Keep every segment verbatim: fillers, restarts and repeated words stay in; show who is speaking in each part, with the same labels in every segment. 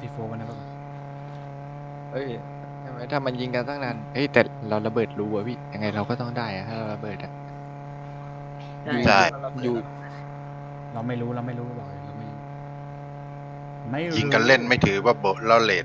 Speaker 1: ซีโฟกันนะปะ
Speaker 2: เอ้ยใช่ไหมถ้ามันยิงกันตั้งนานเฮ้ยแต่เราระเบิดรูอะพี่ยังไงเราก็ต้องได้อะถ้าเราระเบิดอะ
Speaker 3: ใช่
Speaker 2: อยู่
Speaker 4: ใช่
Speaker 3: เราเราเปิด
Speaker 2: อยู่
Speaker 1: เราไม่รู้เราไม่รู้บอกเลยเราไม่ไม่รู้
Speaker 4: ยิงกันเล่นไม่ถือว่าโบะล่อเลด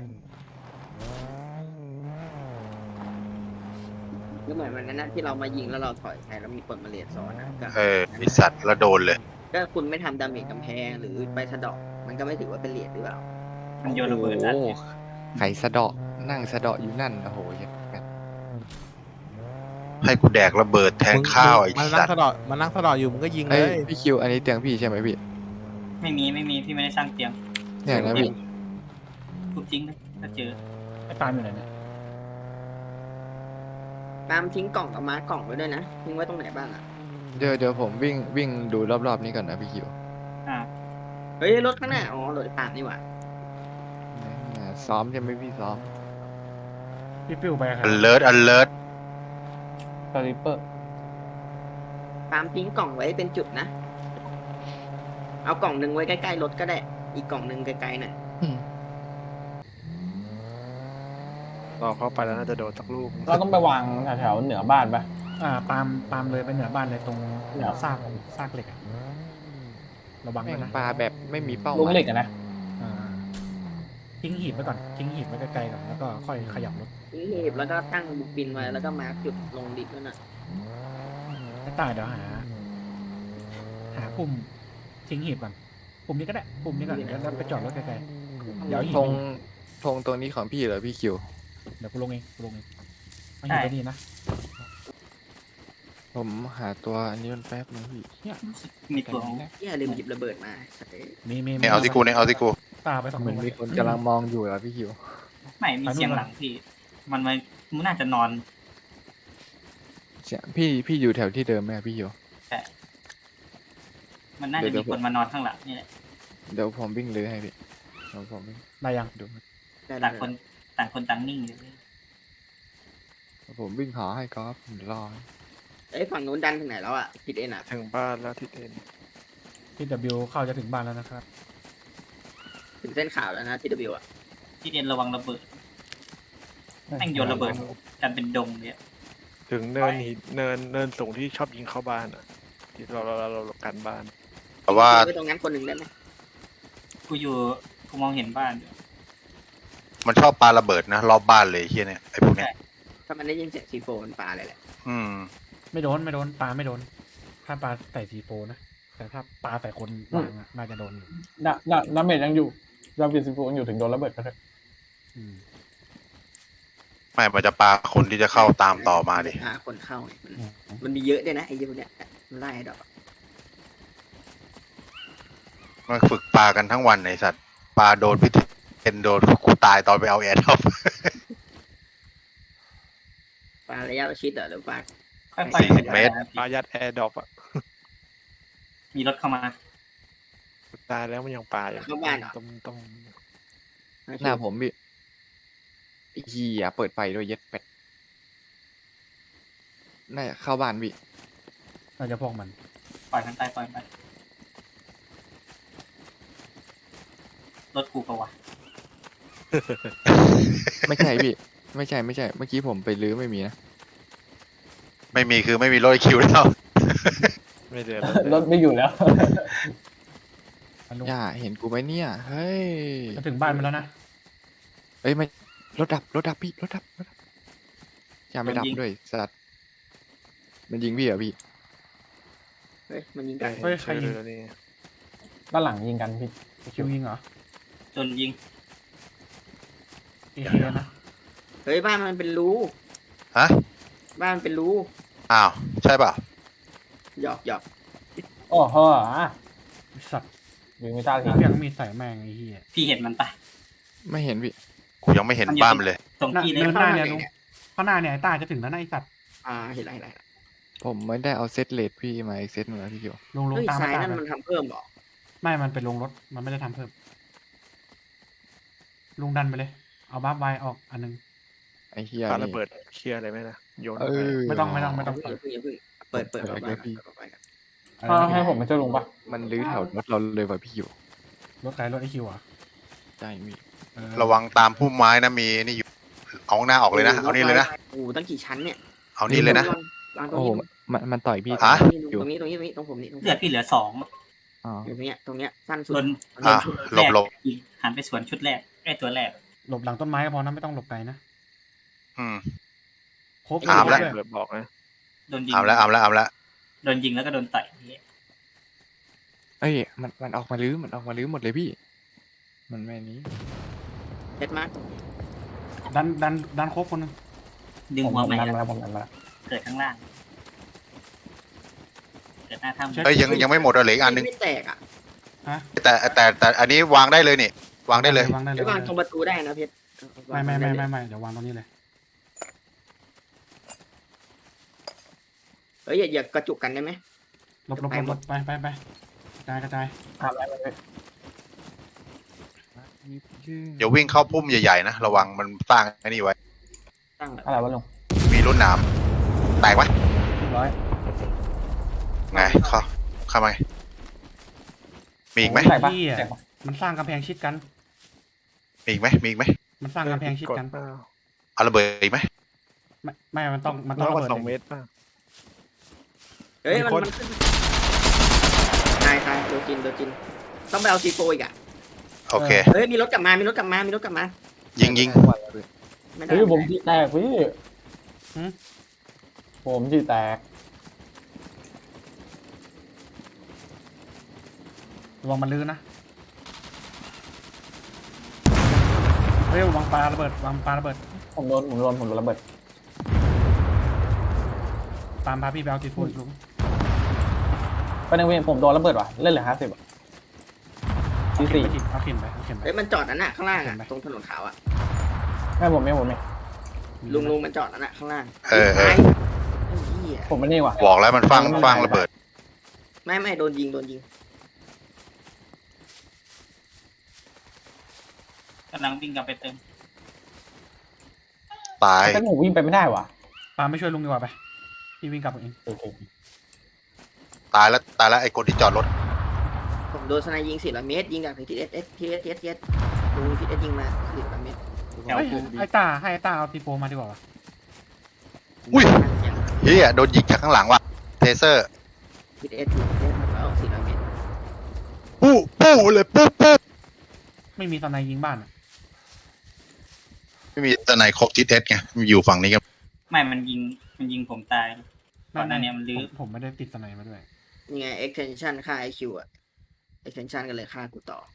Speaker 3: ก็เหมือนวันนั้นนะที่เรามายิงแล้วเราถอยใช้แล้วมีคนมาเลียซ้อนนะก็
Speaker 4: เออไอสัตว์แล้วโดนเลย
Speaker 3: ก็คุณไม่ทำดาเมจกำแพงหรือไปสะเดอกมันก็ไม่ถือว่าเป็นเหรียญหรือเปล่า
Speaker 5: มันโยนระเบิดอัด
Speaker 2: โอ้
Speaker 5: เนี่ย
Speaker 2: ไข่สะเดาะนั่งสะเดาะอยู่นั่นโอ้โหเหี้ยแบบ
Speaker 4: ให้กูแดกระเบิดแทนข้าวไอ้
Speaker 6: มัน
Speaker 4: สั
Speaker 6: นั่
Speaker 4: ต
Speaker 6: ง
Speaker 4: ว์
Speaker 6: สะเดาะมันนั่งสะเดาะอยู่มึงก็ยิงเล
Speaker 2: เอ้ย
Speaker 6: ย
Speaker 2: พี่คิวอันนี้เตียงพี่ใช่ไหมพี่
Speaker 5: ไม่มีไม่มีพี่ไม่ได้สร้างเตียง
Speaker 2: เนี่ยนะพี่
Speaker 5: ทุบจริงเลยถ้าเจอ
Speaker 1: ไอ้ตามอยู่ไหนเนี่ย
Speaker 3: ตามทิ้งกล่องกับมากล่องไว้ด้วยนะทิ้งไว้ตรงไหนบ้างอ่ะ
Speaker 2: เดี๋ยวเดี๋ยวผมวิ่งวิ่งดูรอบๆนี้ก่อนนะพี่คิว
Speaker 5: อ่า
Speaker 3: เฮ้ยรถข้างหน้าอ๋อรถตามนี่หว่า
Speaker 2: เนี่ยซ้อมใช่ไหมพี่ซ้อม
Speaker 1: พี่ปิ้วไปกับใคร
Speaker 4: อันเลิศอันเลิศ
Speaker 7: สลิปเปอร์
Speaker 3: ตามทิ้งกล่องไว้เป็นจุดนะ เอากล่องหนึ่งไว้ใกล้ๆรถก็ได้ อีกกล่องหนึ่งไกลๆหน่อย
Speaker 6: รอเข้าไปแล้วน่าจะโดนสักลูก
Speaker 7: เราต้องไปวางแถวๆเหนือบ้านปะ
Speaker 1: อ่าตามตามเลยไปเหนือบ้านเลยตรง
Speaker 7: เหนือ
Speaker 1: ซากซากเหล็กอะระวัง
Speaker 2: แม่
Speaker 1: ด้วย
Speaker 2: ง
Speaker 1: นะ
Speaker 2: ปลาแบบไม่มีเป้าห
Speaker 7: ลูก
Speaker 2: มาย
Speaker 7: เหล็กอะนะ
Speaker 1: อ่าทิ้งหีบไว้ก่อนทิ้งหีบไว้ไกลๆก่อนแล้วก็ค่อยขยับรถ
Speaker 3: ทิ้งหีบแล้วก็ตั้งบุกบินไว้แล้วก็มาร์คจุดลงดิบนั่นน่ะ
Speaker 1: ไอ้ตายเดี๋ยวหา หาปุ่มทิ้งหีบก่อนปุ่มนี้ก็ได้ปุ่มนี้ก่อนแล้วแล้วไปจอดรถไกลๆเดี๋ยวเอาหีบ
Speaker 2: ธงธงตรงนี้ของพี่เหรอพี่คิว
Speaker 1: เดี๋ยวกูลงเองกูลงเองไม่หีบไปนี่นะ
Speaker 2: ผมหาตัวอันนี้มันแป๊บนึงพี่
Speaker 5: มีตัวของ
Speaker 3: ที่อย่าลืมหยิบระเบิดมาใส่
Speaker 1: มีมี
Speaker 4: เนี่ยเอาที่กูเนี่ยเอาที่กู
Speaker 1: ตาไปสอง
Speaker 2: เหมือน
Speaker 1: ลูก
Speaker 2: มีคนกำลังมองอยู่อะพี่คิว
Speaker 5: ไม่มีเสียงหลังพี่ มันมันมันน่าจะนอน
Speaker 2: เสียพี่พี่อยู่แถวที่เดิมไหมอะพี่คิว
Speaker 5: แต่มันน่าจะมีคนมานอนข้างหลังนี่แหละ
Speaker 2: เดี๋ยวผมวิ่งเลยให้พี่เดี๋ยวผมวิ่ง
Speaker 1: ได้ยัง
Speaker 2: ดู
Speaker 3: ได้
Speaker 5: ต่างคนต่างคนต่างนิ่งอยู่เลย
Speaker 2: ผมวิ่งหาให้ก๊อฟผมรอ
Speaker 3: เอ้ยฝั่งนู้นดันถึงไหนแล้วอ่ะผิดเอ็นอ่ะ
Speaker 6: ถึงบ้านแล้วทิศเอ็น
Speaker 1: ที่ W เข้าจะถึงบ้านแล้วนะครับ
Speaker 3: ถึงเส้นขาวแล้วนะทีดบิวอ่ะ
Speaker 5: ที่เรียนระวังระเบิดแม่งโยนระเบิดกันเป็นดงเลยอะ
Speaker 6: ถึงเนินหินเนินเนินสูงที่ชอบยิงเข้าบ้านอ่ะที่เราเราเราเรากันบ้าน
Speaker 4: แต่ว่า
Speaker 3: ไปตรงนั้นคนหนึ่งได้ไหม
Speaker 5: กูอยู่กูมองเห็นบ้านอยู่
Speaker 4: มันชอบปาระเบิดนะรอบบ้านเลยไอ้เฮียเนี่ยไอ้พวกเนี้ย
Speaker 3: ถ้ามันได้ยินเสียงซีโฟมันปลาเลยแหละ
Speaker 4: อืม
Speaker 1: ไม่โดนไม่โดนปลาไม่โดน ถ้าปลาใส่ซีโฟนะแต่ถ้าปลาใส่คนวางอะน่าจะโดนอยู่
Speaker 7: ดาดาดาเมจยังอยู่ดาเมจสิบยังอยู่ถึงโดนระเบิดก็ได้
Speaker 1: อืม
Speaker 4: ไม่มันจะปาคนที่จะเข้าตามต่อมาดิ
Speaker 3: อ่าคนเข้าเนี่ยมันมันมีเยอะด้วยนะไอ้เหี้ยพวกเนี้ยมันไล่ดอก
Speaker 4: มันฝึกปากันทั้งวันไอสัตว์ปาโดนพิเทนโดนกูตายตอนไปเอาแอร์ท็อป
Speaker 3: ปลาระยะประชิดเหรอหรือปลา
Speaker 5: ค่อย
Speaker 4: สี่สิบเมตร
Speaker 6: ปายัดแอร์ดรอปอ่ะ
Speaker 5: มีรถเข้ามา
Speaker 6: ตายแล้วมันยังปาอยู่
Speaker 3: เข้าบ้านเหรอ
Speaker 6: ต้องต้อง
Speaker 2: หน้าผมพี่เฮียเปิดไฟด้วยเย็ดเป็ดน่าจะเข้าบ้านพี่
Speaker 1: น่าจะพวกมัน
Speaker 5: ปล่อยมันไปปล่อยมันไปรถกูปะวะ
Speaker 2: ไม่ใช่พี่ ไม่ใช่ไม่ใช่ เมื่อกี้ผมไปลื้อไม่มีนะ
Speaker 4: ไม่มีคือไม่มีรถคิวแล้ว
Speaker 6: ไม่เดือด
Speaker 7: รถไม่อยู่แล้ว
Speaker 1: มันลง
Speaker 2: ย่าเห็นกูไหมเนี่ย เฮ้ย
Speaker 1: จะถึงบ้านมันแล้วนะ
Speaker 2: เอ้ยไม่รถดับรถดับพี่รถดับรถดับอย่าไม่ดับด้วยสัตว์มันยิงพี่เหรอพี่
Speaker 3: เฮ้ยมันยิงกัน
Speaker 1: เฮ้ยใครยิง
Speaker 6: นี่
Speaker 7: ด้านหลังยิงกันพี่
Speaker 1: คิวยิงเหรอ
Speaker 5: จนยิง
Speaker 1: เอเคนะ
Speaker 3: เฮ้ยบ้านมันเป็นรู
Speaker 4: ฮะ
Speaker 3: บ้านมันเป็นรู
Speaker 4: อ้าว ใช่ป่ะ
Speaker 3: หยอกหยอก
Speaker 7: โอ้โห
Speaker 1: ไอ้สัตว์
Speaker 7: ยิงไม่ได้ที
Speaker 1: เพียงมีใส่แมงไอ้เหี้ย
Speaker 5: พี่เห็นมันปะ
Speaker 2: ไม่เห็นพี่
Speaker 4: กูยังไม่เห็นบ้านมันเลย
Speaker 5: ตรงที่
Speaker 1: เดิ
Speaker 5: เนี่ย
Speaker 1: นหน้าเนี่ยลุงข้างหน้าเนี่ยไอ้ตาจะถึงแล้วนะไอ้สัตว์
Speaker 3: อ่าเห็นไรเห็นไรละ
Speaker 2: ผมไม่ได้เอาเซตเลดพี่มาอีกเซตหนึ่งแล้วพี่เกียว
Speaker 1: ลงลง
Speaker 3: เฮ้ย
Speaker 1: ตาม
Speaker 3: ซ้าย
Speaker 1: ตา
Speaker 3: นั่น
Speaker 1: ไป
Speaker 3: มันทำเพิ่มเหรอ
Speaker 1: ไม่มันเป็นลงรถมันไม่ได้ทำเพิ่มลุงดันไปเลย เอาบัฟไวออกอันนึง
Speaker 2: ไอ้เฮีย
Speaker 6: ปา
Speaker 2: นี่
Speaker 6: ระเบิดเคลียร์อะไรไหมนะโยน
Speaker 2: เออ
Speaker 1: ไม่ต้องไม่ต้องไม่ต้อง
Speaker 3: อย่าเพิ่งอย่าเพิ่งเปิดเปิด
Speaker 2: เปิ
Speaker 3: เปิ
Speaker 2: ด
Speaker 3: ด
Speaker 2: เลย
Speaker 3: ไป
Speaker 2: พี่
Speaker 3: กัน
Speaker 1: อะไรนะ
Speaker 7: ให้ผมไปช่วยลุงปะ
Speaker 2: มันลื้อแถวรถเราเลยว่ะพี่อยู่
Speaker 1: รถใครรถไอคิวอ่ะ
Speaker 2: ใช่พี่
Speaker 1: เออ
Speaker 4: ระวังตามพุ่มไม้นะมีนี่อยู่เอาข้างหน้าออกเลยนะเอานี่เลยนะ
Speaker 3: โอ้โหตั้งกี่ชั้นเนี่ย
Speaker 4: เอานี่เลยนะ
Speaker 3: วางตรง
Speaker 2: โอ้โห
Speaker 3: นี้
Speaker 2: มันมันต่อยพี่
Speaker 4: ฮะ
Speaker 3: ตรงนี้ตรงนี้ตรงนี้ตรงผมนี่ตรงผม
Speaker 5: เลือดพี่เหลือสอง
Speaker 2: อ๋อ
Speaker 3: อยู่ตรงเนี้ยตรงเนี้ยสั้นสุด
Speaker 5: โดน
Speaker 4: อ่ะ
Speaker 5: ชุด
Speaker 4: หลบหลบ
Speaker 5: แรกอีกหันไปสวนชุดแรกไอ้ตัวแรก
Speaker 1: หลบหลังต้นไม้ก็พอนะไม่ต้องหลบไกลนะ
Speaker 4: อืม
Speaker 1: ครบ
Speaker 4: อามแล้ว
Speaker 1: ด้วย
Speaker 6: เลยบอกนะ
Speaker 5: โดนยิง
Speaker 4: เอาแล้วเอาแล้วเอาแล้ว
Speaker 5: โดนยิงแล้วก็โดนต่อย
Speaker 2: เอ้ยมันมันออกมาลื้อมันออกมาลื้อหมดเลยพี่ มันไม่นี้
Speaker 3: เด็ดมาก
Speaker 1: ดันดันดันครบคนหนึง
Speaker 5: ดึง
Speaker 7: ผม
Speaker 5: หัว
Speaker 7: ผม
Speaker 5: ใหม่
Speaker 7: ดันมาแล้วผมดันมาแล้ว
Speaker 5: เกิดข้างล่าง เกิดหน้าถ้ำ
Speaker 4: เอ้ยยังยังไม่หมดอ่ะเหลืออีกอันหนึง
Speaker 3: ไม่แตกอ่ะ
Speaker 1: ฮะ
Speaker 4: แต่แต่แต่อันนี้วางได้เลยนี่ วางได้เลย
Speaker 1: วางได้เล
Speaker 3: ไอ้
Speaker 1: ยว
Speaker 3: างตรงประตูได้นะเพชร
Speaker 1: ไม่ไม่ไม่ไม่ไม่เดี๋ยววางตรงนี้เลย
Speaker 3: เฮ้ยอย่าอย่ากระจุกกันได้ไหม
Speaker 1: หลบหลบหลบหลบไปไปไปกระจายกระจาย
Speaker 7: ทำอะไรไม่ได้
Speaker 4: เดี๋ยววิ่งเข้าพุ่มใหญ่ๆนะระวังมันสร้างไอ้นี่ไว้
Speaker 3: ตั้งแบบ
Speaker 7: อะไรวะลุง
Speaker 4: มีรุ่นหนามแตกไหม
Speaker 1: เรียบร้อย
Speaker 4: ไงเข้าเข้ามาไงมีอีกไหม
Speaker 7: แตกปะ
Speaker 1: เหี้ย
Speaker 7: แตกปะ
Speaker 1: มันสร้างกำแพงชิดกัน
Speaker 4: มีอีกไหมมีอีกไหม
Speaker 1: มันสร้างกำแพงชิด
Speaker 6: กด
Speaker 1: กัน
Speaker 6: เปล่า
Speaker 4: เอาระเบิดอีกไหม
Speaker 1: ไม่ไม่มันต้องมันต้
Speaker 6: น้
Speaker 1: อ
Speaker 6: อง ยก
Speaker 1: ระ
Speaker 6: ว่า
Speaker 1: เบิด
Speaker 6: สอง
Speaker 1: เอง
Speaker 6: เมตรป่ะ
Speaker 3: เฮ้ย
Speaker 6: มี
Speaker 3: มัน
Speaker 6: คน
Speaker 3: มันขึ้นตายตายโดนจินโดนจินต้องไปเอาซีโฟอีกอ่ะ
Speaker 4: โอเค
Speaker 3: เฮ้ยมีรถกลับมามีรถกลับมามีรถกลับมา
Speaker 4: ยิงยิง
Speaker 3: ไม่ได้
Speaker 7: เฮ้ยผมจีแตกพี่ผมจีแตก
Speaker 1: ระวังมันลื้อนะเฮ้ยวางปลาระเบิดวางปลาระเบิด
Speaker 7: ผมโดนผมโดนผมโดนระเบิด
Speaker 1: ตามพาพี่ไปเอาตีโฟนลุง
Speaker 7: ไปหนึ่งเวงผมโดนระเบิดว่ะเล่นเหลือห้าสิบอ่ะ
Speaker 1: เอา
Speaker 7: สี่
Speaker 1: เข็ม
Speaker 7: สี่
Speaker 1: ไปเอาเข็มไปเอาเข็มไป
Speaker 3: เฮ้ยมันจอดนั่นน่ะข้างล่างอ่ะ
Speaker 1: เห็นไหม
Speaker 3: ตรงถนนขาวอ่ะ
Speaker 7: ไม่ผมไม่ผมไม่
Speaker 3: ลุงลุงมันจอดนั่นน่ะข้างล่าง
Speaker 4: เออเออ
Speaker 3: ไอ้เหี้ย
Speaker 7: ผมไม่นี่ว่ะ
Speaker 4: บอกแล้วมันฟังฟังระเบิด
Speaker 3: ไม่ไม่โดนยิงโดนยิง
Speaker 5: กำลังวิ่งกลับไปเติม
Speaker 4: ตาย
Speaker 7: แต่ผมวิ่งไปไม่ได้ว่ะ
Speaker 1: ปาไม่ช่วยลุงดีกว่าไปพี่วิ่งกลับเอง
Speaker 7: โอเค
Speaker 4: ตายแล้วตายแล้วไอ้คนที่จอดรถ
Speaker 3: ผมโดนสไนยิงสี่ร้อยเมตรยิงจากทีเอสเอสทีเอสเอสลุงทีเอสยิงมาสี่ร้อยเมตร
Speaker 5: แถว
Speaker 1: เฮ้ย
Speaker 5: ภู
Speaker 1: ไอ้ตาให้ไอ้ตาเอาตีโฟมาดีกว่าวะ
Speaker 4: อุ้ยเฮียโดนยิงจากข้างหลังว่ะเทเซอร์
Speaker 3: ทีเอสทีเอสแล้วสี่ร้อยเมตร
Speaker 4: ปู้ปู้เลยปู้ปู้
Speaker 1: ไม่มีตอนไหนยิงบ้านอะ
Speaker 4: ไม่มีตะไหนครบทิศเอสไงมันอยู่ฝั่งนี้กัน
Speaker 5: ไม่มันยิงมันยิงผมตายก่อนหน้านี้มันลื้อ
Speaker 1: ผมผมไม่ได้ติดตอนไหนมาด้วย
Speaker 3: นี่ไง extension ค่า ไอ คิว อ่ะ extension กันเลยค่ากูต่อ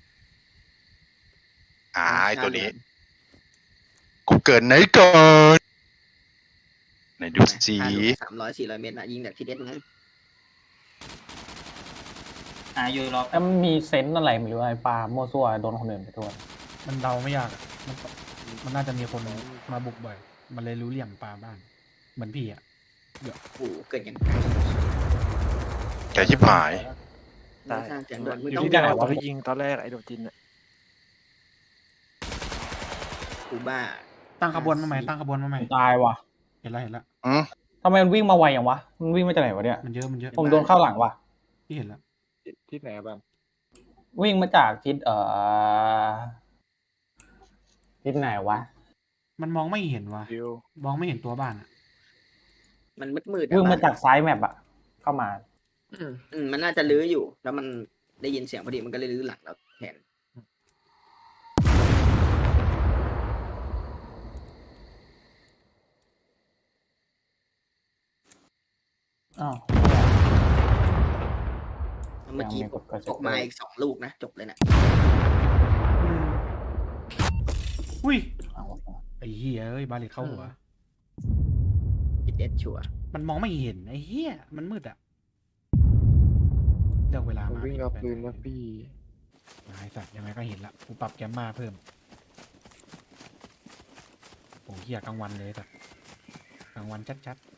Speaker 4: อ่าไอ้ตัวนี้ กูเกิดไหนก่อน ไหนดูสี
Speaker 3: สามร้อยสี่ร้อยเมตรนะยิงจากทีเอสนะ
Speaker 5: อายุรอ
Speaker 7: แล้วมันมีเซนส์อะไรไม่รู้ไอ้ปลามั่วซั่วโดนคนอื่นไปทั่ว
Speaker 1: มันเดาไม่ยากอะมันมันน่าจะมีคนมาบุกบ่อย มันเลยรู้เหลี่ยมปลาบ้าน เหมือนพี่อะ
Speaker 3: โอ้โหเกิดอย่างไร
Speaker 4: แกชิบหาย
Speaker 3: ไม่สร้างเสียงด่วนมึง
Speaker 6: อยู่
Speaker 3: ต้อง
Speaker 6: ที่
Speaker 3: บ
Speaker 6: ไหน
Speaker 3: อก
Speaker 6: วะที่ยิงตอนแรกไอ้โดดจินอ่ะ
Speaker 3: กูบ้า
Speaker 1: ตั้งขบวนมาใหม่ตั้งขบวนมาใหม่
Speaker 7: ตายว่ะ
Speaker 1: เห็นแล้วเห็นแล้ว
Speaker 4: อืม
Speaker 7: ทำไมมันวิ่งมาไวอย่างวะมันวิ่งมาจากไหนวะเนี่ย
Speaker 1: มันเยอะมันเยอะ
Speaker 7: ผมโดนเข้าหลังว่ะ
Speaker 1: พี่เห็นแล้ว
Speaker 2: ที่ไหนบ้าง
Speaker 7: วิ่งมาจากทิศเอ่อทิศไหนวะ
Speaker 1: มันมองไม่เห็นว่ะ
Speaker 6: ดิว
Speaker 1: มองไม่เห็นตัวบ้านอะ
Speaker 3: มันมืดมืดๆ
Speaker 7: วิ่ง
Speaker 3: อะ
Speaker 7: มาจากซ้ายแมปอะเข้ามา
Speaker 3: อืมอืมมันน่าจะลื้ออยู่ แล้วมันได้ยินเสียงพอดีมันก็เลยลื้อหลังแล้วแทน
Speaker 7: อ้าว
Speaker 3: เมื่อกี้
Speaker 7: ยังไม่กดกระจก
Speaker 3: ตกมาอีกสองลูกนะ จบเลยนะ
Speaker 1: อืมอุ้ย
Speaker 7: เอาวะ
Speaker 1: ไอ้เหี้ยเอ้ยบาเลตเข้าหัว
Speaker 3: ทีเอสชัวร์
Speaker 1: มันมองไม่เห็นไอ้เหี้ยมันมืดอะเลือกเวลา
Speaker 2: มัน
Speaker 1: มา
Speaker 2: วิ่ง
Speaker 1: ผิด
Speaker 2: เอา
Speaker 1: ไป
Speaker 2: ปืนมาพี่
Speaker 1: ไอ้สัตว์ยังไงก็เห็นละกูปรับแกมมาเพิ่มโอ้เหี้ยกลางวันเลยสัตว์กลางวันชัด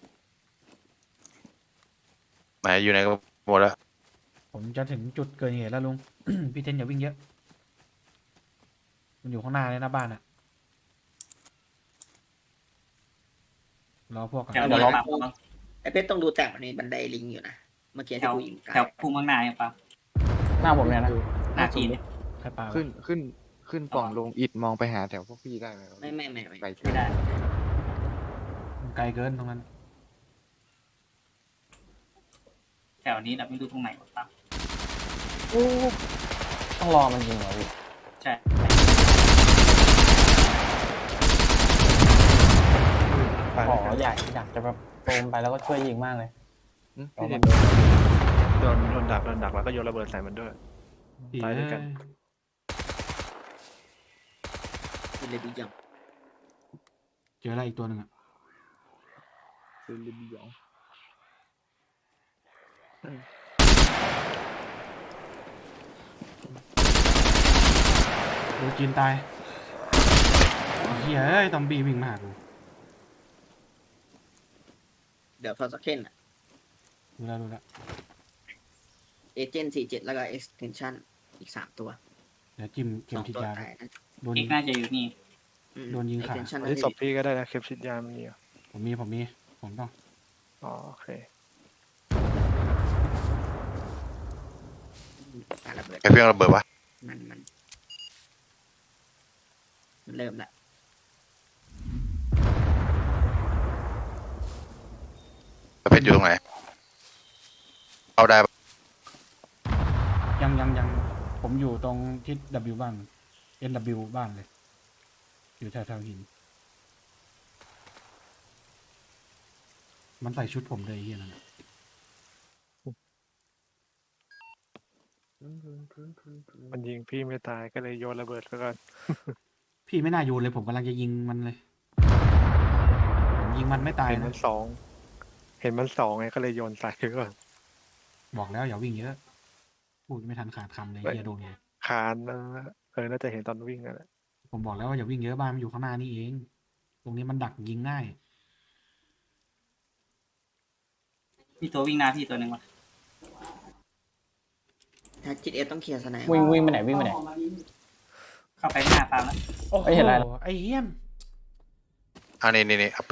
Speaker 4: ไหนอยู่ไหนก็หมดแล้ว
Speaker 1: ๆผมจะถึงจุดเกิดเหตุแล้วลุง พี่เทนอย่าวิ่งเยอะ มันอยู่ข้างหน้าเลยนะบ้านอะรอพวกก่อน
Speaker 5: แถว
Speaker 3: เดี๋
Speaker 5: เดิ
Speaker 3: ยวน เรา
Speaker 5: ปั๊มมั้ง
Speaker 3: ไอเพชรต้องดูแต่มันมีบันไดลิงอยู่นะ เมื่อกี้
Speaker 5: แถ
Speaker 3: ที่
Speaker 5: ว
Speaker 3: กูยิงไกล
Speaker 5: แถวภูมิเมืองนาเนี่ยปั๊ม
Speaker 7: หน้าผมเนี่ยนะ
Speaker 5: หน้าจีนเลย
Speaker 1: ใครปา
Speaker 2: ขึ้นขึ้นขึ้นปล่องลงอิดมองไปหาแถวพวกพี่ได้ไหมครับ
Speaker 3: ไม่ไม่ไม่ไม่
Speaker 2: ไกล
Speaker 5: ไม่ได้
Speaker 1: มันไกลเกินตรงนั้น
Speaker 5: แถวนี้เราไม่รู้ตรงไหนหรอกครับ
Speaker 7: ต้องรอมันยิงเหรอพี่
Speaker 5: ใช่
Speaker 6: ไป
Speaker 7: ขอ
Speaker 6: แล้วกัน
Speaker 7: อยากอยากจะแบบโจมไปแล้วก็ช่วยยิงมากเลย
Speaker 2: อืม
Speaker 6: พี่เห็นโดนโดนดักโดนดักแล้วก็โยนระเบิดใส่มันด้วย ไปด้วยกัน
Speaker 3: เป็นเลยดีจัง
Speaker 1: เจออะไรอีกตัวหนึ่งอะ
Speaker 2: เป็นลิมยอง
Speaker 1: โดนจีนตายเอาเฮียเอ้ยตอมบี้วิ่งมาหากู
Speaker 3: เดี๋ยวฟอร์สเคนอะ
Speaker 1: รู้แล้วรู้แล้ว
Speaker 3: เอเจนต์สี่เจ็ดแล้วก็ extension อีกสามตัว
Speaker 1: เดี๋ยวจิ้มเข็
Speaker 3: ส
Speaker 1: ม
Speaker 3: อง
Speaker 1: ฉีด
Speaker 3: ตัวย
Speaker 1: า
Speaker 3: ตายนะ
Speaker 1: โดน
Speaker 5: อี
Speaker 1: ยิ
Speaker 5: ก
Speaker 1: ง
Speaker 5: น่าจะอยู่นี่
Speaker 3: อืม
Speaker 1: โดนยิงขา
Speaker 3: extension
Speaker 6: อันนี้ศพพี่ก็ได้นะเข็มฉีดยามันมีเหรอ
Speaker 1: ผมมีผมมีผมต้อง
Speaker 6: อ๋อโอเค
Speaker 3: ปาระเบิด
Speaker 4: ไอ้เพียงระเบิดวะ
Speaker 3: มันมันมันเริ่มละ
Speaker 4: ประเภทอยู่ตรงไหนเอาได้ปะ
Speaker 1: ยังยังยังผมอยู่ตรงทิศ W บ้าน N W บ้านเลย อยู่แถวแถวหิน มันใส่ชุดผมเลยไอ้เฮียนั่นน่ะ
Speaker 6: มันยิงพี่ไม่ตายก็เลยโยนระเบิดแล้วก็
Speaker 1: พี่ไม่น่าโยนเลยผมกำลังจะยิงมันเลยผมยิงมันไม่ตาย
Speaker 6: เห็นมั
Speaker 1: นะ
Speaker 6: นสองเห็นมันสองไงก็เลยโยนใส่ก่อน
Speaker 1: บอกแล้วอย่าวิ่งเยอะ พูดไม่ทันขาดคำเลย
Speaker 6: ไม่
Speaker 1: เฮียโดนไง
Speaker 6: คานนะเออน่าจะเห็นตอนวิ่งนั่นแหละ
Speaker 1: ผมบอกแล้วว่าอย่าวิ่งเยอะบ้านมันอยู่ข้างหน้านี่เอง ตรงนี้มันดักยิงง่าย
Speaker 5: มีตัววิ่งหน้าพี่ตัวหนึ่งวะ
Speaker 3: ถ้าจิตเอต้องเคลียร์สไนป์
Speaker 7: วิ่งวิ่งไปไหนวิ่งไปไหน
Speaker 5: เข้าไปข้างหน้าปาล์มแล้ว
Speaker 1: โอ้โห
Speaker 7: เอ้ยเห็นอะไรนะ
Speaker 1: ไอ้เหี้ยม
Speaker 4: อันนี้นี่นี่เอาไป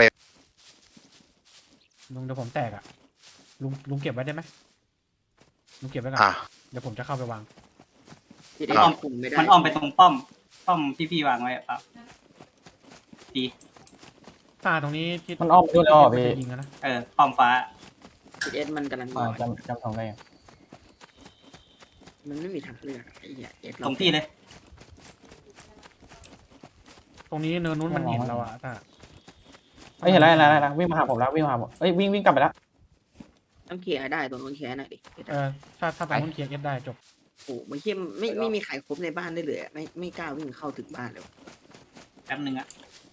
Speaker 1: ลุงเดี๋ยวผมแตกอ่ะ ลุงลุงเก็บไว้ได้ไหมลุงเก็บไว้ก่อน
Speaker 4: อ่ะ
Speaker 1: เดี๋ยวผมจะเข้าไปวาง
Speaker 3: จิตเอ
Speaker 4: อ่า
Speaker 3: ต้องคุมไม่ได้
Speaker 5: มันอ้อมไปตรงป้อม ป้อมที่พี่วางไว้อะปั๊บดี
Speaker 1: ตาตรงนี้ที่
Speaker 7: มันอ้อมไปด้วยแล้วเหรอพี่
Speaker 1: จะยิงกันนะ
Speaker 5: เออป้อมฟ้า
Speaker 3: จิตเอมันกำลัง
Speaker 7: อ่า
Speaker 3: บอก
Speaker 7: จำจำทำได้ยัง
Speaker 3: มันไม่มีทางเลือกไอ้เหี้ยเอส
Speaker 5: ตรงพี่เลย
Speaker 1: ตรงนี้เนินนู้นมันเห็นเราอะตา
Speaker 7: เอ้ยเห็นแล้วเห็นแล้วเห็นแล้ววิ่งมาหาผมแล้ววิ่งมาหาผมเอ้ยวิ่งวิ่งกลับไปแล้ว
Speaker 3: ต้องเคลียร์ให้ได้ตรงนู้นเคลียร์หน่อยดิ
Speaker 1: เออถ้าถ้าตรงนู้นเคลียร์เอสได้จบ
Speaker 3: โอ้โหมันเขี้ยมไม่ไม่มีใครครบในบ้านได้เลยอะไม่ไม่กล้าวิ่งเข้าถึงบ้านเลย
Speaker 5: แป๊บนึงอะ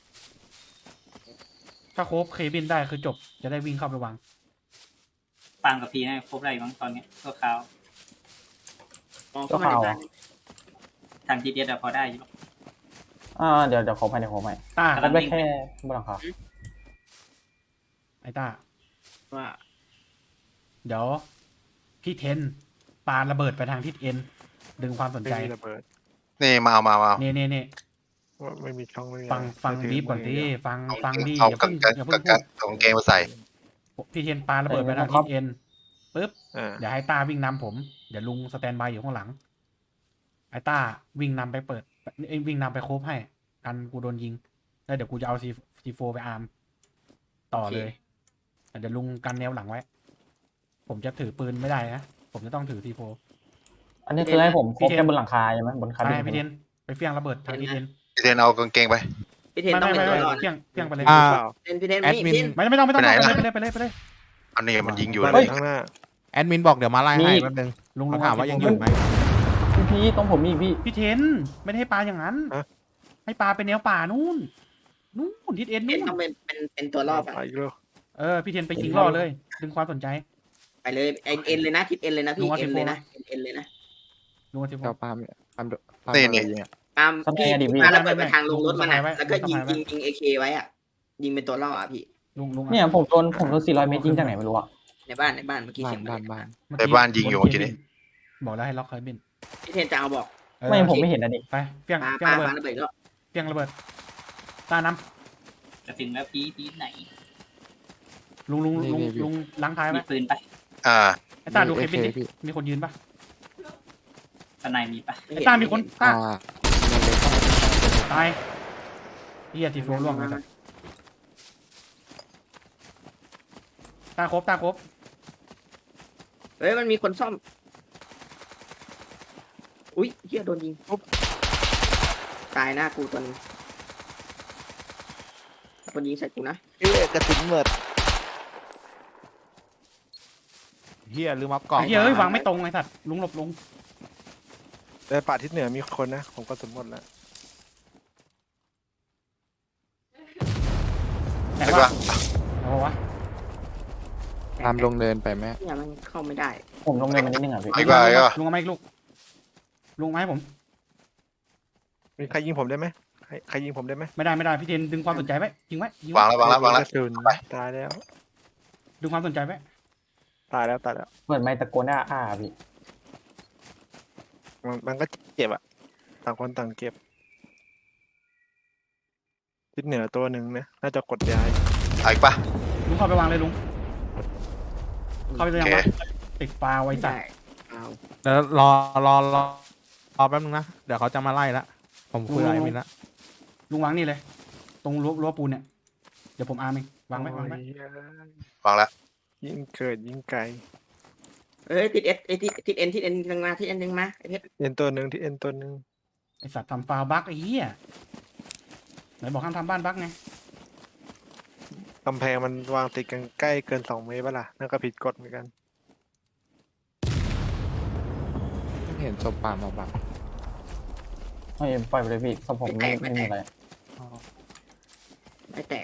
Speaker 1: ถ้าโคบเคบินได้คือจบ จะได้วิ่งเข้าไปวาง
Speaker 5: ปาล์มกับพี่นะครบอะไรอยู่บ้างตอนเนี้ยตัวขาว
Speaker 3: มองเข้ามาในบ้าน
Speaker 5: ทาง จี ดี เอสอะพอได้อยู่หรอก
Speaker 7: อ่าเดี๋ยวเดี๋ยวขอไปเดี๋ยวขอไป
Speaker 1: ตา
Speaker 5: ค
Speaker 7: แล้
Speaker 5: รั
Speaker 7: ว
Speaker 5: บ
Speaker 7: ไปแค่บนหลังคา
Speaker 1: ไอ้ตา
Speaker 3: ว่า
Speaker 1: เดี๋ยว พี่เทนปาระเบิดไปทางทิศเอ็นดึงความสน
Speaker 6: ไม่
Speaker 1: ใจ
Speaker 6: มีระเบิด
Speaker 4: นี่มาเอามามาเอา
Speaker 1: เน่เน่เน่
Speaker 6: ว่าไม่มีช่องไม่มี
Speaker 1: ฟัง
Speaker 6: อะไร
Speaker 1: ฟัง
Speaker 6: ถื
Speaker 1: ดีฟก่อน
Speaker 6: มื
Speaker 1: สิ
Speaker 6: ย่างเดียว
Speaker 1: ฟัง
Speaker 4: เอา
Speaker 1: ฟังดี
Speaker 4: เอา
Speaker 1: อย่า
Speaker 4: กั
Speaker 1: เพิ่
Speaker 4: น
Speaker 1: ง
Speaker 4: กัน
Speaker 1: อย่า
Speaker 4: กั
Speaker 1: เพิ่
Speaker 4: น
Speaker 1: ง
Speaker 4: กั
Speaker 1: พู
Speaker 4: น
Speaker 1: ด
Speaker 4: เอากางเกงมาใส่
Speaker 1: พี่เทนปาระเบิดไปทางทิศเอ็นปุ๊บ
Speaker 6: อ่า
Speaker 1: เดี๋ยวให้ต้าวิ่งนำผม เดี๋ยวลุงสแตนบายอยู่ข้างหลัง ไอ้ต้าวิ่งนำไปเปิดเอ้ยวิ่งนำไปโคบให้ กันกูโดนยิง แล้วเดี๋ยวกูจะเอาซีซีโฟไปอาร์มต่อเลยแต่เดี๋ยวลุงกันแนวหลังไว้ ผมจะถือปืนไม่ได้นะ ผมจะต้องถือซีโฟ
Speaker 7: อันนี้คือให้ผมครบแค่บนหลังคาใช่ไหมบนคา
Speaker 1: ไป
Speaker 7: บิน
Speaker 1: พี่เทนไปเฟี้ยงระเบิดทางทิศเอ็น
Speaker 4: พี่เทนเอากางเกงไป
Speaker 3: พี่เทน
Speaker 1: ไม่
Speaker 3: ต้อง
Speaker 1: ไม่
Speaker 3: เป็น
Speaker 1: ไม่
Speaker 3: ตัว
Speaker 1: ไม่
Speaker 3: รอด
Speaker 1: เฟี้ยงเฟี้ยงไปเลย
Speaker 8: อ่า
Speaker 6: เปล่า
Speaker 3: เทนพี่เทน
Speaker 8: แอดมิน
Speaker 3: พี่เทน
Speaker 1: ไม่ไม่ต้องไม่ต้อง
Speaker 4: ไปไหน
Speaker 1: ไป
Speaker 4: ล่ะ
Speaker 1: เลยไปเลยไปเลยไปเลย
Speaker 4: อันนี้มันยิงอยู่
Speaker 6: เปิด
Speaker 4: เลย
Speaker 6: ข้างหน้า
Speaker 8: แอดมินบอกเดี๋ยวมาไล่ให้แป๊บนึง
Speaker 1: ลุงลุ
Speaker 8: เขา
Speaker 1: ง
Speaker 8: ถามว่ายังอยู่ไหม
Speaker 7: พี่พี่ต้องผมมีอีกพี่
Speaker 1: พี่เทนไม่ได้ให้ปลาอย่างนั้น ให้ปลาเป็นแนวป่านู่นนู่นทิศเอ็น
Speaker 3: พี่เท
Speaker 1: นู่
Speaker 3: น
Speaker 1: น
Speaker 3: ต้องเป็นเป็นเป็นตัวรอด
Speaker 6: ไป
Speaker 3: อะ
Speaker 6: อีกแล้ว
Speaker 1: เออพี่เทนไปยิงล่อเลย ดึงความสนใจ
Speaker 3: ไปเลยเอ็นเอ็นเลยนะทิศเอ็นเลยนะพี่
Speaker 1: ลุงเอา
Speaker 3: เอ็น
Speaker 1: สิบ
Speaker 3: เลย
Speaker 1: โมง
Speaker 3: นะเอ็นเลยนะ
Speaker 1: ลุงเอาซีโฟ
Speaker 2: เจ้าปาล์มเนี่ยปาล์มโดปาล์ม
Speaker 4: นี่
Speaker 2: โดน
Speaker 4: นี่
Speaker 2: อะไรยิงอะ
Speaker 3: ตามพี่
Speaker 7: ทำไงดีพี่
Speaker 3: ปาระเบิดไปทางลงรถมัน
Speaker 1: ไม่
Speaker 3: อะ
Speaker 1: ไม่
Speaker 3: แล้วก็ยิง
Speaker 1: ไม่
Speaker 3: ยิงยิงเอเคไว้อะยิงเป็นตัวล่ออะพี่
Speaker 1: ลุงลุง
Speaker 7: เนี่ยผมโดนผมโดนสี่ร้อยเมตรยิงจากไหนไม่รู้อะ
Speaker 3: ในบ้านในบ้านเมื่อกี้
Speaker 2: บ้า
Speaker 3: เสี
Speaker 2: น
Speaker 3: ยง
Speaker 2: บ้าน
Speaker 3: มั
Speaker 2: บ้าน
Speaker 1: เมื่อ
Speaker 4: ในบ้านยิงอยู่เมื่อกี้นี้
Speaker 1: บอกแล้วให้ล็อกเคยบิน
Speaker 3: พี่เทนจะเอาบอก
Speaker 1: เออ
Speaker 7: ไม่ผมไม่เห็นนะดิ
Speaker 1: ไปเฟี้ยง
Speaker 3: ปา
Speaker 1: เฟี้ยง
Speaker 3: ปา
Speaker 1: ระเบิด
Speaker 3: ปาระเบิดก็
Speaker 1: เฟี้ยงระเบิดตาน้
Speaker 5: จะถึงแล้วพี่พี่ไหน
Speaker 1: ำลุงลุงลุงลุงล้างท้ายไหม
Speaker 5: มีปืนไป
Speaker 4: อ่า
Speaker 1: ไอ้ตาดูเคบินดิ
Speaker 2: พี่
Speaker 1: มีคนยืนปะ
Speaker 5: สไนมีปะ
Speaker 1: ไอ้ตามีคนตา
Speaker 2: อ่าเงินเลยต้อง
Speaker 1: ายเฮียทีโฟล่วงเลย ตาครบตาครบ
Speaker 3: เฮ้ยมันมีคนซ่อม อุ้ยเฮียโดนยิงปุ๊บตายหน้ากูตัวนึงคนยิงใส่กูนะ
Speaker 6: เอ๊ะกระสุนหมด
Speaker 8: เฮียลืมอัพกล่อง
Speaker 1: ไอ้เฮียเอ้ยวางไม่ตรงไอ้สัตว์ลุงหลบลง
Speaker 6: แต่ป่าทิศเหนือมีคนนะผมกระสุนหมดแล้ว
Speaker 1: ไหน
Speaker 4: ไอ้
Speaker 1: วะ
Speaker 4: ปะ
Speaker 1: เอาวะ
Speaker 2: ตามลงเนินไปไหม
Speaker 3: เนี่ยมันเข้าไม่ได้
Speaker 7: ผมลงเงินมานิดนึงอ่ะพี่
Speaker 4: ไอ้ปะไอ้ปะ
Speaker 1: ลุงเอาไม้ลูกลุงเอาไม้ผม
Speaker 6: มีใครยิงผมได้ไหมใครใครยิงผมได้ไหม
Speaker 1: ไม่ได้ไม่ได้พี่เทนดึงความสนใจไว้ยิงไว้ยิง
Speaker 4: วา
Speaker 1: ไว้
Speaker 4: งแล้ววางแล้ววางแล้ว
Speaker 6: กระสุนตายแล้ว
Speaker 1: ดึงความสนใจไว้
Speaker 6: ตายแล้วตายแล้ว
Speaker 7: เปิดไมค์ตะโกนอ้าอ้าพี่
Speaker 6: มันมันก็เจ็บอะต่างคนต่างเก็บทิศเหนือตัวหนึ่งนะน่าจะกดย้าย
Speaker 4: ไอ้ปะ
Speaker 1: ลุงเข้าไปวางเลยลุงเข้าไปเลย
Speaker 4: โอ
Speaker 1: ยัง
Speaker 4: เค
Speaker 1: วะติดฟาวไว้
Speaker 3: ไม่
Speaker 1: สัต
Speaker 3: ได้
Speaker 1: ว์
Speaker 3: เอา
Speaker 8: เดี๋ยวรอรอรอรอแป๊บนึงนะ เดี๋ยวเขาจะมาไล่ละผมคุยกับไอ้มินละ
Speaker 1: ลุงวางนี่เลย ตรงรั้วรั้วปูนเนี่ยเดี๋ยวผมอาร์มเองวางไว้วางไว้
Speaker 6: โอ้ยว
Speaker 4: างแล้ว
Speaker 6: ยิ่งเกิดยิ่งไกล
Speaker 3: เอ้ยติดเอสไอ้ยติดติดเอ็นติดเอ็นนึงมาติดเอ็นนึงมาไอ้เพชร
Speaker 6: เอ็นตัวหนึ่งที่เอ็นตัวหนึ่ง
Speaker 1: ไอสัตว์ทำฟาวบั๊กไอ้เหี้ยไหนบอกห้ามทำบ้านบั๊กไง
Speaker 6: กำแพงมันวางติดกันใกล้เกินสองเมตรป่ะล่ะนั่นก็ผิดกฎเหมือนกัน
Speaker 2: ไม่เห็นศพป่ามาบัง
Speaker 7: ไม่ปล่อยไปเลยพี่สมผมไม่ไม่มีอะไร
Speaker 3: ไม่แตก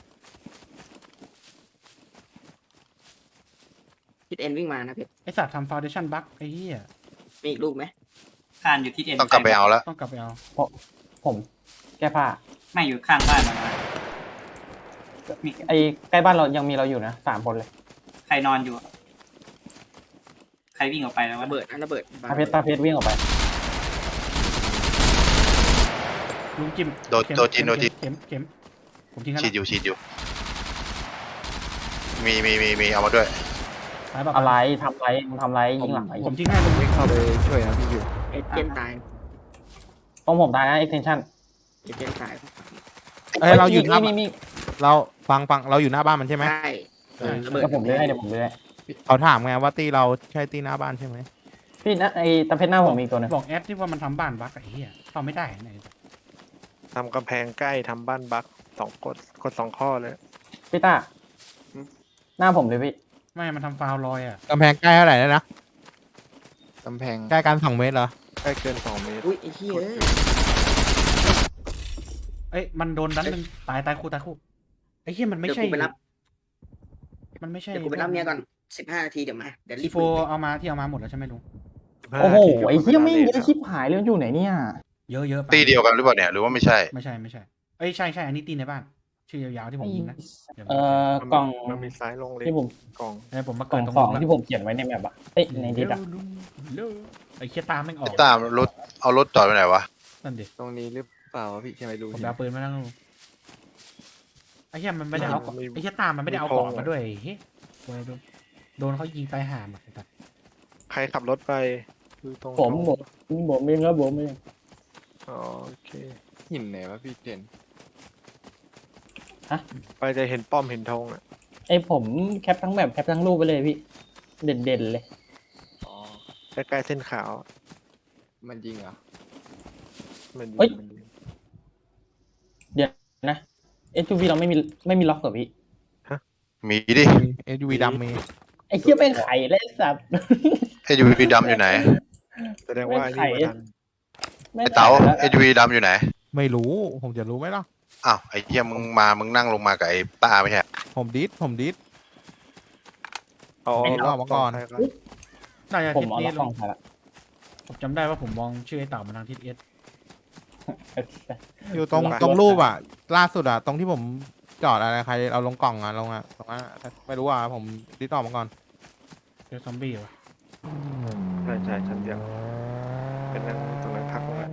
Speaker 3: ติดเอ็นวิ่งมานะเพชร
Speaker 1: ไอสัตว์ทำฟาวเดชั่นบั๊กไอ้เหี้ย
Speaker 3: มีอีกลูกไหม
Speaker 5: ข้านอยู่ที่เอ็น
Speaker 4: ต้องกลับไปเอาแล้ว
Speaker 1: ต้องกลับไปเอา
Speaker 7: ผมแก้ผ้า
Speaker 5: ไม่อยู่ข้างบ้านมันมา
Speaker 7: มีไอ้ใกล้บ้านเรายังมีเราอยู่นะสามคนเลย
Speaker 5: ใครนอนอยู่อะใครวิ่งออกไปแล้ววะ
Speaker 3: ระเบิดนะระเบิด
Speaker 7: ตาเพชรตาเพชรวิ่งออกไป
Speaker 1: ลุงจิ้ม
Speaker 4: โดน
Speaker 1: เข็ม
Speaker 4: โดนจีนโดนจีน
Speaker 1: เข็มเข็มผมทิ้งกัน
Speaker 4: ฉีดอยู่ฉีดอยู่ มีมีมีมีเอามาด้วย
Speaker 1: ตายป่ะ
Speaker 7: อะไรทำไรมึงทำไรยิงหลังไอ้
Speaker 1: ผมทิ้งให้ลุง
Speaker 2: วิ่งเข้าไปช่วยนะพี่อยู่
Speaker 3: เอเจนตาย
Speaker 7: ตรงผมตายนะ extension
Speaker 3: เอเจนตาย
Speaker 8: เอ้ยเราอยู่หน้า
Speaker 7: มีมี
Speaker 8: เราฟังฟังเราอยู่หน้าบ้านมันใช่ไหม
Speaker 3: ใช่เออระเบิด
Speaker 7: เดี๋ยวผมเลื่อยให้เดี๋ยวผมเลื่อย
Speaker 8: เขาถามไงว่าตีเราใช่ตีหน้าบ้านใช่ไหม
Speaker 7: พี่นะไอ้ตาเพชรหน้าผมมีอีกตัวหนึง
Speaker 1: บอกแอปที่ว่ามันทำบ้านบั๊กไอ้เหี้ยเข้าไม่ได้ไหน
Speaker 6: ทำกำแพงใกล้ทำบ้านบักสองกดกดสองข้อเลย
Speaker 7: พี่ต้าหน้าผมเลยพี่
Speaker 1: ไม่มันทำฟาวลอยอ่ะ
Speaker 8: กำแพงใกล้เท่าไหร่แล้วนะ
Speaker 2: กำแพง
Speaker 8: ใกล้กันสองเมตรเหรอ
Speaker 6: ใกล้เกินสองเมตร
Speaker 3: อุ้ยไอ้เหี้ยเอ้ย
Speaker 1: เอ้ยมันโดนดันหนึ่งตายตายคู่ตายคู่ไอ้เหี้ยมันไม่
Speaker 3: เดี๋ยว
Speaker 1: ใช่
Speaker 3: กูไปรับ
Speaker 1: มันไม่ใช่
Speaker 3: เดี๋ยวกูไปรับเมียก่อนสิบห้านาทีเดี๋ยวมาเดี๋ยวรี
Speaker 1: ที
Speaker 3: บ
Speaker 1: โฟเอามาที่เอามาหมดแล้วใช่ไหมลุง
Speaker 7: โอ้โหไอ้เหี้ยไม่งเยอะชิบหายเลยมันอยู่ไหนเนี่ย
Speaker 1: เยอะเยอะไป
Speaker 4: ตีเดียวกันหรือเปล่าเนี่ย หรือว่าไม่ใช่
Speaker 1: ไม่ใช่ไม่ใช่เอ้ยใช่ใช่อันนี้ตีในบ้าน ชื่อยาวๆที่ผมยิงนะเดี๋ยว
Speaker 7: เอ่อ
Speaker 6: มัน
Speaker 7: กล่อง
Speaker 6: มันมีซ้ายลงเลย
Speaker 7: ที่ผม
Speaker 6: กล่อง
Speaker 1: เดี๋ยวผมมาก
Speaker 7: กล่
Speaker 1: เกิ
Speaker 7: อ
Speaker 1: ด
Speaker 7: ง
Speaker 1: ตรง
Speaker 7: สอง
Speaker 1: นู้น
Speaker 7: ที่ผมเขียนไว้ในแมปอะเอ้ยในดิสอะ
Speaker 1: ลุงเร็วไอ้เคียตามแม่งออก
Speaker 4: ตามรถ เอารถจอดไปไหนวะ
Speaker 1: นั่นดิ
Speaker 2: ตรงนี้หรือเปล่าวะพี่ใช่ไหมดู
Speaker 1: ผมไปเอาปืนมาแล้วลุงไอ้เหี้ยมันไม่ได้เอาไอ้เหี้ยตามมันไม่ได้เอากรอบมาด้วยเฮ้ยโดนโดนเขายิงตายห่าหมดไอ้สัตว์
Speaker 6: ใครขับรถไปดูตรง
Speaker 7: ผมผมผมเองครับผมเอง
Speaker 6: อ๋อโอเค
Speaker 2: หินไหนวะพี่เด่น
Speaker 6: ไปจะเห็นป้อมเห็นธงอ่ะ
Speaker 7: ไอ้ผมแคปทั้งแบบแคปทั้งรูปไปเลยพี่ เด่นเด่นๆเลย
Speaker 2: อ๋อ
Speaker 6: ใกล้ๆเส้นขาว
Speaker 2: มันยิงเหรอ
Speaker 6: มันดี
Speaker 7: เฮ้ย
Speaker 6: มันดี
Speaker 7: เดี๋ยวนะเอสยูวีเราไม่มีไม่มีล็อกเหรอพี่
Speaker 4: มีดิ
Speaker 8: เอสยูวีดำมี
Speaker 7: ไอ้เหี้ยเป็นไข่เลยสัตว์
Speaker 4: เอยูวีดำอยู่ไหน
Speaker 6: แสดงว่าอันนี้มาทัน
Speaker 7: แม่ง
Speaker 4: ไอ้เต๋า
Speaker 7: แล้ว
Speaker 4: เอยูวีดำอยู่ไหน
Speaker 8: ไม่รู้ ผมจะรู้ไหมล่ะ
Speaker 4: อ้าว ไอ้เหี้ยมึงมา มึงนั่งลงมากับไอ้ตาไม่ใช่
Speaker 8: ผมดิสผมดิส
Speaker 6: อ๋อ
Speaker 8: เอาออกมาก่อน
Speaker 6: ใครครับ
Speaker 1: น่าจะ
Speaker 7: ผม
Speaker 1: ทิศ
Speaker 7: เอา
Speaker 1: นี้
Speaker 7: ล็อกก
Speaker 1: ลุ
Speaker 7: ล่อง งไปละ
Speaker 1: ผมจำได้ว่าผมมองชื่อไอ้เต่ามาทางทิศเอส
Speaker 8: อยู่ตรงตรงรูปอ่ะ ล่าสุดอ่ะ ตรงที่ผมจอดอะไรใครเอาลงกล่องอ่ะลงอ่ะตรงนั้นอะไม่รู้อ่ะผมดิสออกมาก่อน
Speaker 1: เจอซอมบี้วะ
Speaker 6: ใช่ใช่ชั้นเดียวเป็นนั่งตรงนั้นพักตรงนั้น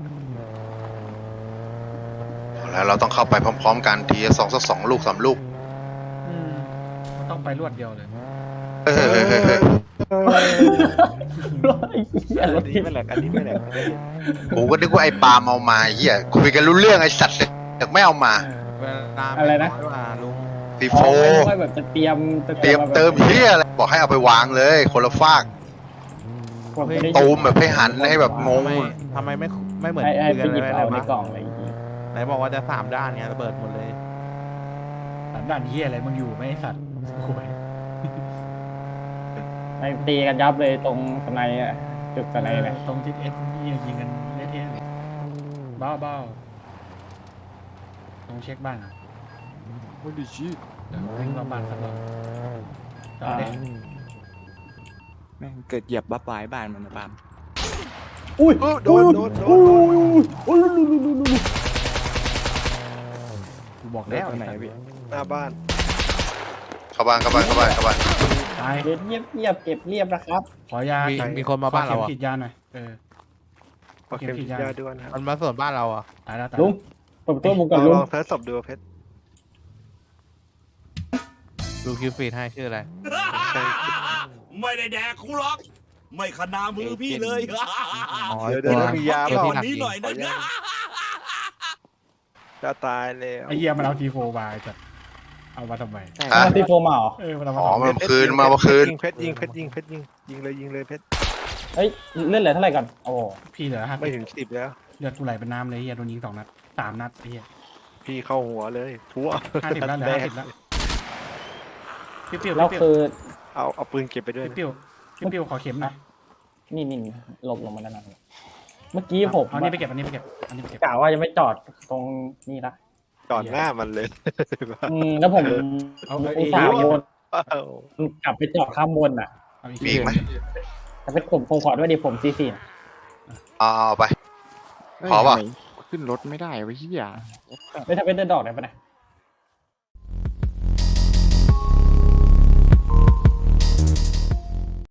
Speaker 4: แล้วเราต้องเข้าไปพร้อม ๆ กันทีละสองสักสองลูกสามลูก
Speaker 1: อืมมันต้องไปรวดเดียวเลย
Speaker 4: เฮ้ยเฮ้ยเฮ้ยเฮ้ย
Speaker 6: อันนี้ไม่แหลกอันนี้ไม่แหลก
Speaker 4: กูก็นึกว่าไอ้ปาล์มเอามาเฮียคุยกันรู้เรื่องไอ้สัตว์แต่ไม่เอามา
Speaker 8: เวลา
Speaker 7: อะไรนะ
Speaker 8: ม่ว่าลุง
Speaker 4: ซี
Speaker 7: อ๋
Speaker 4: โฟ
Speaker 7: อไม่ค่อยแบบจะเตรียมจะ
Speaker 4: เตรียมเติมเฮียอะไรบอกให้เอาไปวางเลย คนละฟาก
Speaker 7: ผมไม่ได้
Speaker 4: ตูมแบบให้หันให้แบบงง
Speaker 8: ทำไมทำไมไม่ไม่เหมือน
Speaker 7: ให้ให้ไป
Speaker 8: เดือน
Speaker 7: หยิบ
Speaker 8: เลย
Speaker 7: เอาใน
Speaker 8: วะ
Speaker 7: กล่องอะไรอย่างงี้
Speaker 8: ไหนบอกว่าจะสามด้านไงระเบิดหมดเลย
Speaker 1: สามด่านเฮียอะไรมึงอยู่ไหม่สัตว์โอ้ย
Speaker 7: ไม่ตีกันยับเลยตรงสไนด์อะจุดสไนด์เนี่ย
Speaker 1: ตรงทิศเอสนี่ยิงกันเละเทะเลยบ้าบ้าตรงเช็คบ้านอะ
Speaker 2: โอ้ดิชิ
Speaker 1: เดี๋ยววิ่งรอบบ้านสักรอบต่อเด็
Speaker 2: แม่งเกิดเหยียบบ้าปลายบ้านมันนะปาล์ม
Speaker 7: อุ้ย
Speaker 6: โดนโดนโดนโด
Speaker 7: อุ้ย
Speaker 6: น
Speaker 7: อุ้ยอุ้ยอุ้ยอุ้ยอุ้ย
Speaker 1: กูบอกแล้ว
Speaker 2: ตัวไหนพี่
Speaker 6: หน้าบ้าน
Speaker 4: เข้าบ้านเข้าบ้านเข้าบ้านเข้าบ้าน
Speaker 1: ตาย
Speaker 7: เดี๋ยวเงียบเงียบเก็บเรียบนะครับ
Speaker 1: ขอยา
Speaker 8: มี
Speaker 1: ขอ
Speaker 8: มีคนมาบ้านเรา
Speaker 1: ขอ
Speaker 8: อ่ะ
Speaker 1: ข็มฉีดยาหน่อยเออ
Speaker 6: ขอเข็มฉีดยาด้วยนะครับ
Speaker 8: มันมาสวนบ้านเราอ่ะ
Speaker 1: ตายแล้วตาย
Speaker 7: ลุ
Speaker 1: แล้
Speaker 7: ง
Speaker 1: ว
Speaker 7: เปิดประตัวมุก
Speaker 6: ล
Speaker 7: ก่อ
Speaker 6: อน ง
Speaker 7: ลุง
Speaker 6: ลองเทสศพดูเพชร
Speaker 8: ดูคิวฟีดให้ชื่ออะไร
Speaker 6: ใช่
Speaker 9: ไม่ได้แดกกูหรอก ไม่ขนามือพี่เลย
Speaker 8: อ๋อ
Speaker 6: เดี๋ยวเดี๋ยว
Speaker 8: ตัว
Speaker 6: มียา
Speaker 8: ตัว
Speaker 6: เปล่า
Speaker 8: ที่
Speaker 9: วัน
Speaker 8: หนัก
Speaker 9: นี้
Speaker 8: ยิง
Speaker 9: หน่อยนะ
Speaker 6: จะตายแล้ว
Speaker 1: ไอ้เหี้ยมันเอาทีโฟบายจัดเอามาทำไม
Speaker 4: ฮะ
Speaker 7: มาตีโฟมาเหรอ
Speaker 1: เออมันเอามา
Speaker 4: อ๋อ
Speaker 1: ทำไม
Speaker 4: มันคืนมาเมื่อคืน
Speaker 6: ยิงเพชรยิงเพชรยิงเพชรยิงยิงเลยยิงเลยเพชร
Speaker 7: เฮ้ยเลื่อนเหลือเท่าไหร่ก่อนโอ้
Speaker 1: พี่เหลือห้า
Speaker 6: ไม่
Speaker 1: สิบ
Speaker 6: ถึงสิบแล้ว
Speaker 1: เลือดกูไหลเป็นน้ำเลยเฮียโดนยิงสองนัดสามนัดไอ้เฮีย
Speaker 6: พี่เข้าหัวเลยทั่ว
Speaker 1: ห้าสิบแล้วเหลือห้าสิบแล้วปิ้วปิ้ว
Speaker 7: แล้ว
Speaker 1: ปิ้ว
Speaker 7: คือ
Speaker 6: เอาเอาปืนเก็บไปด้วยนะ
Speaker 1: ปิ้วปิ้วปิ้วขอเข็มหน่อย
Speaker 7: นี่นี่หลบลงมาด้านหลังเมื่อกี้ผม
Speaker 1: เอาอันนี้ไปเก็บอันนี้ไปเก็บอันนี้ไปเก็บ
Speaker 7: กะว่าจะไม่จอดตรงนี่ละ
Speaker 6: จอดหน้ามันเลย
Speaker 7: อืมแล้วผม
Speaker 1: เอาเอา
Speaker 7: อุ
Speaker 1: เอ
Speaker 7: ตส่าห์วน
Speaker 6: ว้าว
Speaker 7: กลับไปจอดข้ามบนอ่ะ
Speaker 1: เอาอีก
Speaker 4: มีอีกไหม
Speaker 7: แต่เป็นผมผมขอด้วยดิผมซีซี
Speaker 4: เอาเอาไป
Speaker 2: เฮ้ย
Speaker 4: พอป่ะ
Speaker 2: ทำไมขึ้นรถไม่ได้วะเฮีย
Speaker 7: ไม่ทำเป็นเดินดอกได้ปะเนี่ย